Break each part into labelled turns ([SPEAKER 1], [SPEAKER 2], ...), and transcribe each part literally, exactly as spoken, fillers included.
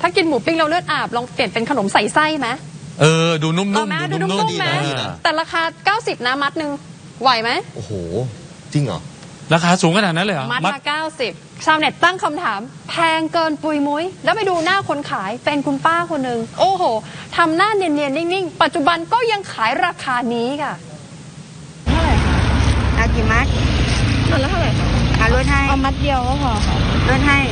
[SPEAKER 1] ถ้ากินหมูปิ้งเราเลือดอาบลองเปลี่ยนเป็นขนมใส่ไส้ไหม
[SPEAKER 2] เออดูนุ่มๆ
[SPEAKER 1] เอาไหมดูนุ่มๆไหมแต่ราคาเก้าสิบนะมัดหนึ่งไหวไหม
[SPEAKER 3] โอ้โหจริงเหรอ
[SPEAKER 2] ราคาสูงขนาดนั้นเลยเหรอ
[SPEAKER 1] มัดละเก้าสิบชาวเน็ตตั้งคำถามแพงเกินปุยมุ้ยแล้วไปดูหน้าคนขายเป็นคุณป้าคนหนึ่งโอ้โหทำหน้าเนียนๆนิ่งๆปัจจุบันก็ยังขายราคานี้ค่ะ
[SPEAKER 4] เท่าไหร่คะ
[SPEAKER 5] เอากี่มัด
[SPEAKER 4] มัดละเท่าไหร่คะ
[SPEAKER 5] เอาลดให้
[SPEAKER 4] เอามัดเดียวก็พอค่ะ
[SPEAKER 5] ลดให้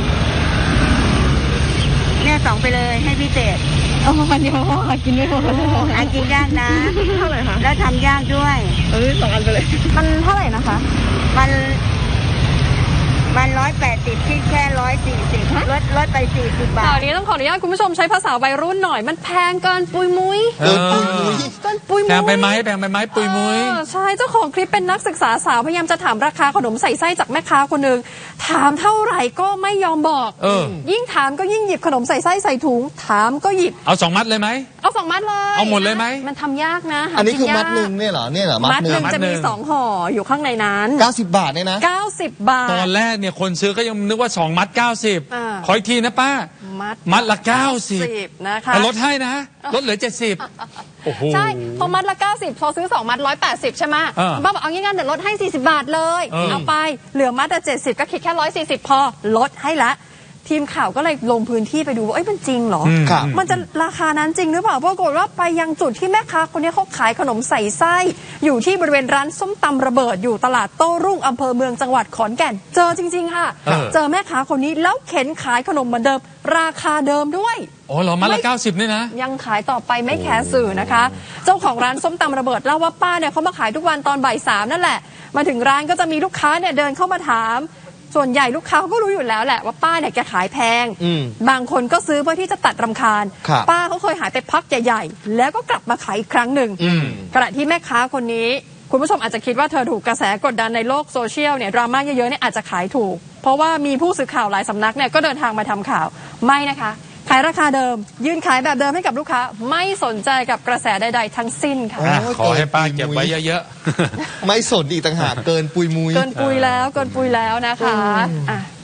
[SPEAKER 5] เนี่ยสองไปเลยให้พิเศษ
[SPEAKER 4] เอามัดเดียวพอค่ะกินไม่พอ
[SPEAKER 5] อันกินยากนะ
[SPEAKER 4] เท่าไหร่คะ
[SPEAKER 5] แล้วทำยากด้วย
[SPEAKER 4] เออสองอันไปเลยมันเท่าไหร่นะคะ
[SPEAKER 5] มันมันร้อยแปดสิบที่แค่ร้อยสี่สิบลดลดไปสี่สิบบาท
[SPEAKER 1] ตอนนี้ต้องขออนุญาตคุณผู้ชมใช้ภาษาวัยรุ่นหน่อยมันแพงเกินปุยมุ้ย
[SPEAKER 3] เกินปุยมุ้ย
[SPEAKER 1] เกินปุยมุ้ย
[SPEAKER 2] แพงไปไหมแพงไปไหมปุยมุ้ย
[SPEAKER 1] ใช่เจ้าของคลิปเป็นนักศึกษาสาวพยายามจะถามราคาขนมใส่ไส้จากแม่ค้าคนหนึ่งถามเท่าไหร่ก็ไม่ยอมบอก
[SPEAKER 2] เออ
[SPEAKER 1] ยิ่งถามก็ยิ่งหยิบขนมใส่ไส้ใส่ถุงถามก็หยิบ
[SPEAKER 2] เอาสองมัดเลยไหม
[SPEAKER 1] เอาสองมัดเลย
[SPEAKER 2] เอาหมดเลยไหม
[SPEAKER 1] มันทำยากนะ
[SPEAKER 3] อันนี้คือมัดหนึ่งเนี่ยเหรอเนี่ยเหรอ
[SPEAKER 1] มัดหนึ่งจะมีสองห่ออยู่ข้างในนั้น
[SPEAKER 3] เก้าสิบบาทเนี่ยนะ
[SPEAKER 1] เก้าสิบบาท
[SPEAKER 2] ตอนแรกเนี่ยคนซื้อก็ยังนึกว่าสองมัดเก้าสิบขออีกทีนะป้า
[SPEAKER 1] มัด
[SPEAKER 2] มัดละเก้าสิบ
[SPEAKER 1] นะคะ
[SPEAKER 2] ลดให้นะลดเหลือเจ็ดสิบโอ้โห
[SPEAKER 1] ใช่พอมัดละเก้าสิบพอซื้อสองมัดร้อยแปดสิบใช่ไหมป้าบอกเอางี้งั้นเดี๋ยวลดให้สี่สิบบาทเลยเอาไปเหลือมัดละเจ็ดสิบก็คิดแค่ร้อยสี่สิบพอลดให้ละทีมข่าวก็เลยลงพื้นที่ไปดูว่าเอ้ยมันจริงเหรอมันจะราคานั้นจริงหรือเปล่าปรากฏว่าไปยังจุดที่แม่ค้าคนนี้เขาขายขนมใส่ไส้อยู่ที่บริเวณร้านส้มตำระเบิดอยู่ตลาดโต้รุ่งอำเภอเมืองจังหวัดขอนแก่นเจอจริงๆค่ะเจอแม่ค้าคนนี้แล้วเข็นขายขนมเหมือนเดิมราคาเดิมด้วย
[SPEAKER 2] อ๋อเหรอมัดละเก้าสิบนี่นะ
[SPEAKER 1] ยังขายต่อไปไม่แคร์สื่อนะคะเจ้าของร้านส้มตำระเบิดเล่าว่าป้าเนี่ยเขามาขายทุกวันตอนบ่ายสามนั่นแหละมาถึงร้านก็จะมีลูกค้าเนี่ยเดินเข้ามาถามส่วนใหญ่ลูกค้าเขาก็รู้อยู่แล้วแหละว่าป้าเนี่ยแกขายแพงบางคนก็ซื้อเพื่อที่จะตัดรำคาญป้าเขาเคยหายไปพักใหญ่ๆแล้วก็กลับมาขายอีกครั้งหนึ่งขณะที่แม่ค้าคนนี้คุณผู้ชมอาจจะคิดว่าเธอถูกกระแสกดดันในโลกโซเชียลเนี่ยดราม่าเยอะๆเนี่ยอาจจะขายถูกเพราะว่ามีผู้สื่อข่าวหลายสำนักเนี่ยก็เดินทางมาทำข่าวไม่นะคะขายราคาเดิมยืนขายแบบเดิมให้กับลูกค้าไม่สนใจกับกระแสใดๆทั้งสิ้นค่ะ
[SPEAKER 2] ขอให้ป้าเก็บไว้เยอะ
[SPEAKER 3] ๆไม่สนอีกต่างหากเกินปุยมุ้ย
[SPEAKER 1] เกินปุยแล้วเกินปุยแล้วนะคะ